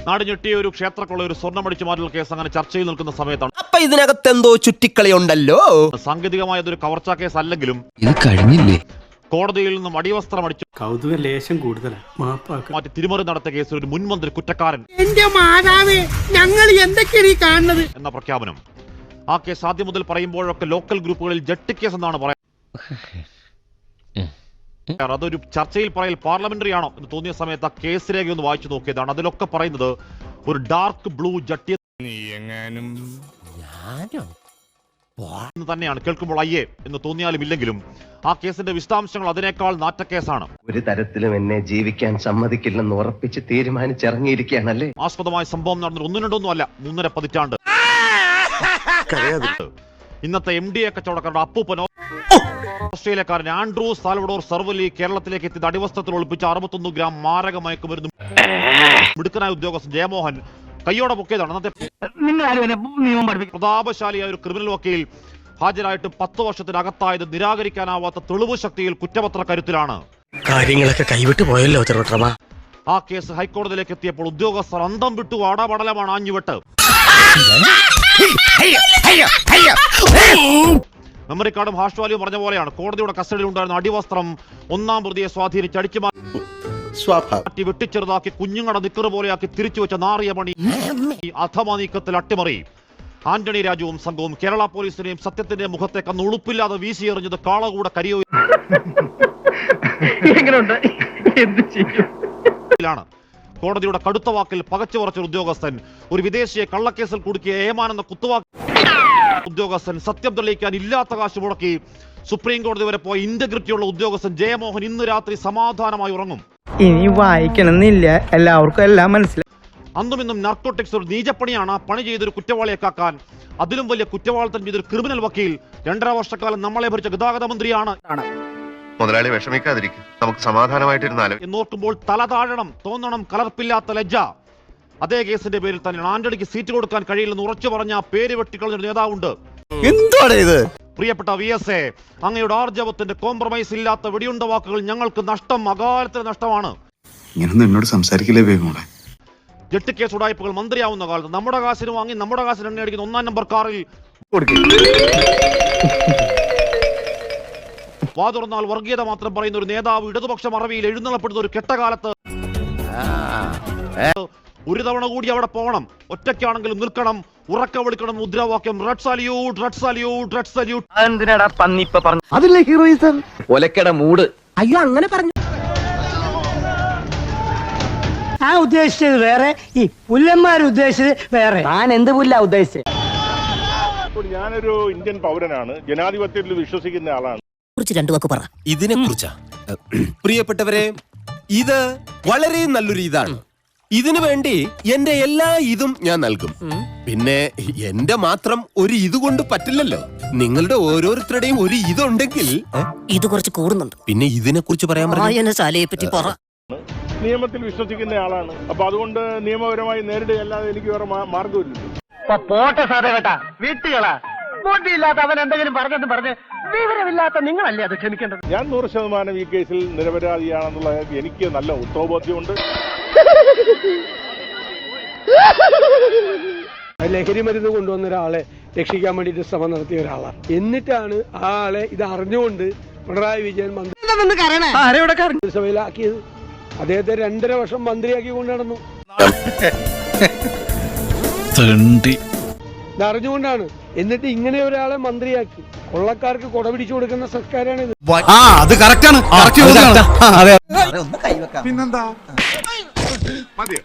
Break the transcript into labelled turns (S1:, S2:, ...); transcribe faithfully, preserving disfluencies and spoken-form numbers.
S1: നാട് ഞെട്ടിയ ഒരു ക്ഷേത്രക്കുള്ള ഒരു സ്വർണ്ണമടിച്ചു മാറ്റൽ കേസ് അങ്ങനെ ചർച്ചയിൽ നിൽക്കുന്ന സമയത്താണ്
S2: അപ്പൊ ഇതിനകത്ത് എന്തോ ചുറ്റിക്കളി ഉണ്ടല്ലോ.
S1: സാങ്കേതികമായ ഒരു കവർച്ചാ കേസ് അല്ലെങ്കിലും
S3: ഇത് കഴിഞ്ഞില്ലേ,
S1: കോടതിയിൽ നിന്നും അടിവസ്ത്രം അടിച്ചു
S4: കൗതുക ലേശം കൂടുതലാണ്
S1: മാറ്റി തിരിമറി നടത്തിയ കേസിൽ ഒരു മുൻമന്ത്രി കുറ്റക്കാരൻ
S5: ഞങ്ങൾ എന്തൊക്കെയാണ് ഈ കാണുന്നത്
S1: എന്ന പ്രഖ്യാപനം. ആ കേസ് ആദ്യം മുതൽ പറയുമ്പോഴൊക്കെ ലോക്കൽ ഗ്രൂപ്പുകളിൽ ജട്ടി കേസ് എന്നാണ് പറയുന്നത്. അതൊരു ചർച്ചയിൽ പറയൽ പാർലമെന്ററി ആണോ എന്ന് തോന്നിയ സമയത്ത് ആ കേസ് രേഖ ഒന്ന് വായിച്ചു നോക്കിയതാണ്. അതിലൊക്കെ പറയുന്നത് ഒരു ഡാർക്ക് ബ്ലൂ ജട്ടി തന്നെയാണ്. കേൾക്കുമ്പോൾ അയ്യേ എന്ന് തോന്നിയാലും ഇല്ലെങ്കിലും ആ കേസിന്റെ വിശദാംശങ്ങൾ അതിനേക്കാൾ നാറ്റക്കേസാണ്.
S2: ഒരു തരത്തിലും എന്നെ ജീവിക്കാൻ സമ്മതിക്കില്ലെന്ന് ഉറപ്പിച്ച് തീരുമാനിച്ചിറങ്ങിയിരിക്കുകയാണല്ലേ.
S1: ആസ്പദമായ സംഭവം നടന്നത് ഒന്നും രണ്ടൊന്നും അല്ല, മൂന്നര പതിറ്റാണ്ട്. ഇന്നത്തെ എം ഡി എ കച്ചവടക്കാരുടെ അപ്പൂപ്പനോ ഓസ്ട്രേലിയക്കാരൻ ആൻഡ്രൂ സാൽവഡോർ സർവലി കേരളത്തിലേക്ക് എത്തിയത് അടിവസ്ത്രത്തിൽ ഒളിപ്പിച്ച അറുപത്തൊന്ന് ഗ്രാം മാരക മയക്കുമരുന്ന് മിടുക്കനായ ഉദ്യോഗസ്ഥൻ ജയമോഹൻ കയ്യോടെ പൊക്കിയതാണ്. അന്നത്തെ പ്രതാപശാലിയായ ഒരു ക്രിമിനൽ വക്കീൽ ഹാജരായിട്ട് പത്ത് വർഷത്തിനകത്തായത് നിരാകരിക്കാനാവാത്ത തെളിവ് ശക്തിയിൽ കുറ്റപത്ര കരുത്തിലാണ്.
S4: കാര്യങ്ങളൊക്കെ കൈവിട്ട് പോയല്ലോ.
S1: ആ കേസ് ഹൈക്കോടതിയിലേക്ക് എത്തിയപ്പോൾ ഉദ്യോഗസ്ഥർ അന്തം വിട്ടു ആടാപടലമാണ് ആഞ്ഞുവിട്ട്. മെമ്മറി കാർഡും ഹാഷ് വാല്യൂ പറഞ്ഞ പോലെയാണ്. കോടതിയുടെ കസ്റ്റഡിയിൽ ഉണ്ടായിരുന്ന അടിവസ്ത്രം ഒന്നാം പ്രതിയെ സ്വാധീനിച്ച് അടിച്ചു മാറ്റി വെട്ടിച്ചെറുതാക്കി കുഞ്ഞുങ്ങളുടെ നിക്കറ് പോലെയാക്കി തിരിച്ചു വെച്ച നാറിയ പണി അധമ നീക്കത്തിൽ അട്ടിമറി. ആന്റണി രാജുവും സംഘവും കേരള പോലീസിനെയും സത്യത്തിന്റെ മുഖത്തേക്ക് അന്ന് ഉളുപ്പില്ലാതെ വീശിയെറിഞ്ഞത് കാളകൂടെ കരിയോയിലാണ്. കോടതിയുടെ കടുത്ത വാക്കിൽ പകച്ചു പറച്ച ഉദ്യോഗസ്ഥൻ ഒരു വിദേശിയെ കള്ളക്കേസിൽ കുടുക്കിയ ഏമാനെന്ന കുത്തുവാക്ക് ഉദ്യോഗസ്ഥൻ സത്യം തെളിയിക്കാൻ ഇല്ലാത്ത കാശ് മുടക്കി സുപ്രീം കോടതി വരെ പോയ ഇന്റഗ്രിറ്റിയുള്ള ഉദ്യോഗസ്ഥൻ ജയമോഹൻ ഇന്ന് രാത്രി സമാധാനമായി ഉറങ്ങും.
S5: ഇനി വായിക്കണമെന്നില്ല, എല്ലാവർക്കും എല്ലാം മനസ്സിലായി.
S1: അന്നും ഇന്നും നാർക്കോട്ടിക്സ് ഒരു നീചപ്പണിയാണ്. പണി ചെയ്തൊരു കുറ്റവാളിയെ കാക്കാൻ അതിലും വലിയ കുറ്റവാളിത്തം ചെയ്തൊരു ക്രിമിനൽ വക്കീൽ രണ്ടര വർഷക്കാലം നമ്മളെ ഭരിച്ച ഗതാഗത മന്ത്രിയാണ്.
S6: മുതലാളി വിഷമിക്കാതിരിക്കും, നമുക്ക് സമാധാനമായിട്ടിരുന്നാലും
S1: എന്നോർക്കുമ്പോൾ തല താഴണം, തോന്നണം കലർപ്പില്ലാത്ത ലജ്ജ. അതേ കേസിന്റെ പേരിൽ തന്നെയാണ് ആന്റണിക്ക് സീറ്റ് കൊടുക്കാൻ കഴിയില്ലെന്ന് ഉറച്ചു പറഞ്ഞ ആ പേര് വെട്ടിക്കളഞ്ഞൊരു നേതാവുണ്ട്.
S2: എന്താണ് ഇത്?
S1: പ്രിയപ്പെട്ട വി എസ് എ, അങ്ങയുടെ ആർജവത്തിന്റെ കോംപ്രമൈസ് ഇല്ലാത്ത വെടിയുണ്ട വാക്കുകൾ ഞങ്ങൾക്ക് നഷ്ടം, അകാലത്തിന് നഷ്ടമാണ്.
S7: എന്നോട് സംസാരിക്കില്ലേ വേഗം.
S1: ജെട്ടിക്കേസ് ഉടായ്പകൾ മന്ത്രിയാവുന്ന കാലത്ത് നമ്മുടെ കാശിന് വാങ്ങി നമ്മുടെ കാശിന് എണ്ണ അടിക്കുന്ന ഒന്നാം നമ്പർ കാറിൽ വാ തുറന്നാൽ വർഗീയത മാത്രം പറയുന്ന ഒരു നേതാവ് ഇടതുപക്ഷ മറവിയിൽ എഴുന്നള്ളപ്പെടുന്ന ഒരു കെട്ടകാലത്ത് ഒരു തവണ കൂടി അവിടെ പോകണം. ഒറ്റയ്ക്കാണെങ്കിലും നിൽക്കണം, ഉറക്ക വിളിക്കണം, മുദ്രാവാക്യം red salute, red salute, red salute.
S2: എന്തിനാടാ പന്നിപ്പ പറഞ്ഞു?
S5: അതിലെ ഹീറോയിസം
S2: ഒലക്കട മൂട്.
S5: അയ്യോ അങ്ങനെ പറഞ്ഞു. ആ ഉദ്ദേശിച്ചത് വേറെ, ഈ പുല്ലന്മാർ ഉദ്ദേശിച്ചത് വേറെ. ഞാൻ എന്ത് പുല്ല ഉദ്ദേശിച്ചത്?
S8: ഞാനൊരു ഇന്ത്യൻ പൗരനാണ്, ജനാധിപത്യത്തിൽ വിശ്വസിക്കുന്ന ആളാണ്.
S3: രണ്ടു വാക്ക് പറ.
S2: ഇതിനെ കുറിച്ചാ പ്രിയപ്പെട്ടവരെ, ഇത് വളരെ നല്ലൊരു ഇതാണ്. ഇതിനു വേണ്ടി എന്റെ എല്ലാ ഇതും ഞാൻ നൽകും. പിന്നെ എന്റെ മാത്രം ഒരു ഇത് കൊണ്ട് പറ്റില്ലല്ലോ. നിങ്ങളുടെ ഓരോരുത്തരുടെയും ഒരു ഇതുണ്ടെങ്കിൽ
S3: ഇത് കുറച്ച് കൂടുന്നുണ്ട്.
S2: പിന്നെ ഇതിനെ കുറിച്ച് പറയാൻ
S3: വായനശാലയെ പറ്റി പറ.
S8: നിയമത്തിൽ വിശ്വസിക്കുന്ന ആളാണ്. അപ്പൊ അതുകൊണ്ട് നിയമപരമായി നേരിടുക അല്ലാതെ എനിക്ക് വേറെ മാർഗമില്ലല്ലോ.
S5: പോട്ടെ സാറേ കേട്ടാ, വീട്ടുകളാ ബോട്ടിയില്ലാത്ത അവൻ എന്തെങ്കിലും പറഞ്ഞെന്ന് പറഞ്ഞ് വിവരമില്ലാത്ത നിങ്ങളല്ലേ അത് ക്ഷമിക്കേണ്ടത്.
S8: ഞാൻ നൂറ് ശതമാനം ഈ കേസിൽ നിരപരാധിയാണെന്നുള്ള എനിക്ക് നല്ല ഉത്തരബോധ്യമുണ്ട്.
S9: ലഹരി മരുന്ന് കൊണ്ടുവന്ന ഒരാളെ രക്ഷിക്കാൻ വേണ്ടിയിട്ട് ശ്രമം നടത്തിയ ഒരാളാണ്. എന്നിട്ടാണ് ആ ആളെ ഇത് അറിഞ്ഞുകൊണ്ട് പിണറായി വിജയൻ മന്ത്രിസഭയിലാക്കിയത്. അദ്ദേഹത്തെ രണ്ടര വർഷം മന്ത്രിയാക്കി കൊണ്ട് നടന്നു. ഇതറിഞ്ഞുകൊണ്ടാണ്. എന്നിട്ട് ഇങ്ങനെ ഒരാളെ മന്ത്രിയാക്കി കൊള്ളക്കാർക്ക് കൊട പിടിച്ചു കൊടുക്കുന്ന സർക്കാരാണിത്.
S7: അത് കറക്റ്റാണ്.
S5: പിന്നെന്താ